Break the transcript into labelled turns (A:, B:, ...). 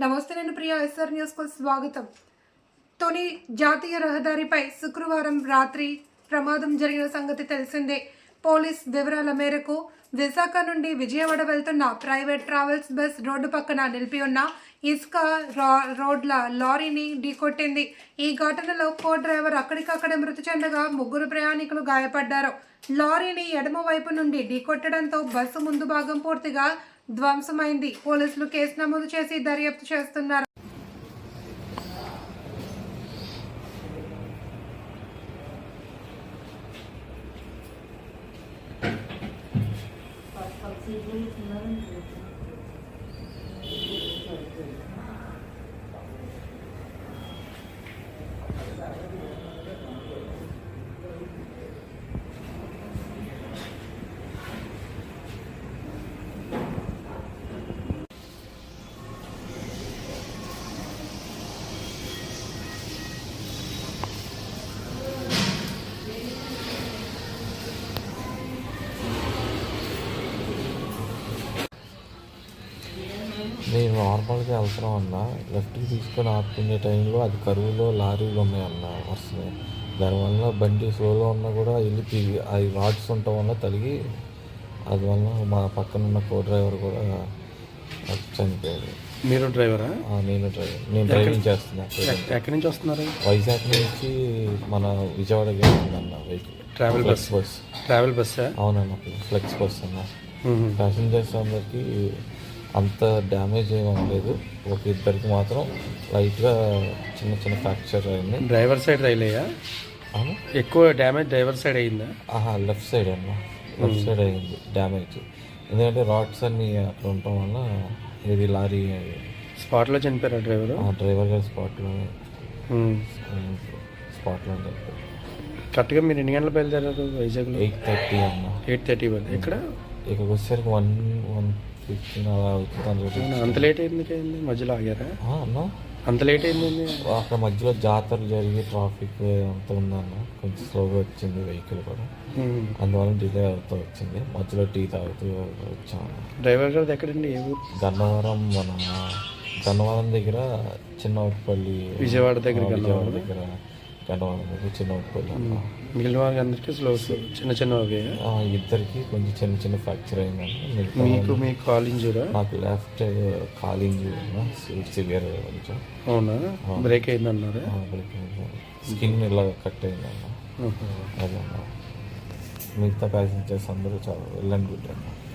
A: నమస్తే, నేను ప్రియా. ఎస్ఆర్ న్యూస్కు స్వాగతం. తొని జాతీయ రహదారిపై శుక్రవారం రాత్రి ప్రమాదం జరిగిన సంగతి తెలిసిందే. పోలీస్ వివరాల మేరకు విశాఖ నుండి విజయవాడ వెళ్తున్న ప్రైవేట్ ట్రావెల్స్ బస్ రోడ్డు పక్కన నిలిపి ఉన్న ఇసుక రోడ్ల లారీని ఢీకొట్టింది. ఈ ఘటనలో కో డ్రైవర్ అక్కడికక్కడే మృతి చెందగా ముగ్గురు ప్రయాణికులు గాయపడ్డారు. లారీని ఎడమ వైపు నుండి ఢీకొట్టడంతో బస్సు ముందు భాగం పూర్తిగా ధ్వంసమైంది. పోలీసులు కేసు నమోదు చేసి దర్యాప్తు చేస్తున్నారు.
B: నేను నార్మల్గా వెళ్తున్నాం అన్న, లెఫ్ట్కి తీసుకొని ఆపుకునే టైంలో అది కరువులో లారీలు ఉన్నాయన్న వస్తున్నాయి. దానివల్ల బండి స్లోలో ఉన్నా కూడా వెళ్ళి అవి రాడ్స్ ఉండటం వల్ల తలిగి అది వల్ల మా పక్కన ఉన్న కో డ్రైవర్ కూడా చనిపోయాడు.
C: మీరు డ్రైవరా?
B: నేను డ్రైవర్. నేను డ్రైవింగ్ చేస్తున్నా.
C: ఎక్కడి నుంచి వస్తున్నారు?
B: వైజాగ్ నుంచి మన విజయవాడకి వెళ్తుందన్న వెహికల్.
C: Travel bus.
B: అవునన్న, ఫ్లెక్స్ బస్ అన్న. ప్యాసింజర్స్ అందరికి అంత డ్యామేజ్ ఏమవ్వలేదు. ఒక ఇద్దరికి మాత్రం లైట్గా చిన్న చిన్న ఫ్రాక్చర్ అయింది.
C: డ్రైవర్ సైడ్ రైలయ్యా? ఎక్కువ డ్యామేజ్ డ్రైవర్ సైడ్ అయిందా?
B: లెఫ్ట్ సైడ్ అన్న, లెఫ్ట్ సైడ్ అయింది డ్యామేజ్. ఎందుకంటే రాడ్స్ అన్నీ అక్కడ ఉండటం వల్ల ఇది లారీ
C: స్పాట్లో చనిపోయారా డ్రైవర్?
B: డ్రైవర్ గారు స్పాట్లో చనిపోయారు.
C: కరెక్ట్గా మీరు ఎన్ని గంటలు బయలుదేరారు వైజాగ్లో?
B: 8:30 అన్న.
C: 8:30 ఇక్కడ
B: ఇక్కడికి వచ్చేసరికి 1:15 అలా అవుతుంది.
C: అంత లేట్ అయింది మధ్యలో ఆగారా
B: అన్న?
C: అంత లేట్ అయింది
B: అక్కడ మధ్యలో జాతర జరిగి ట్రాఫిక్ అంతా ఉందన్న. కొంచెం స్లోగా వచ్చింది వెహికల్ కూడా, అందువల్ల డిలే అవుతూ వచ్చింది. మధ్యలో టీ తాగుతూ వచ్చాము.
C: డ్రైవర్ గారు ఎక్కడండి? ఏ ఊరు?
B: గన్నవరం దగ్గర చిన్నపల్లి.
C: విజయవాడ దగ్గర
B: గన్నవరం దగ్గర చిన్నపల్లి. మిగిలిన
C: వాళ్ళకి అందరికీ చిన్న
B: ఇద్దరికి కొంచెం చిన్న చిన్న ఫ్రాక్చర్ అయిందన్న.
C: మీకు కాల్ ఇంజూరా?
B: నాకు లెఫ్ట్ కాల్ ఇంజూరీ సివియర్ కొంచెం.
C: అవునా? బ్రేక్ అయిందన్నారా?
B: బ్రేక్ అయింది, స్కిన్ ఇలా కట్ అయిందన్న. అదే అన్న. మిగతా ప్యాసింజర్స్ అందరూ చాలా వెళ్ళండి గుడ్ అన్న.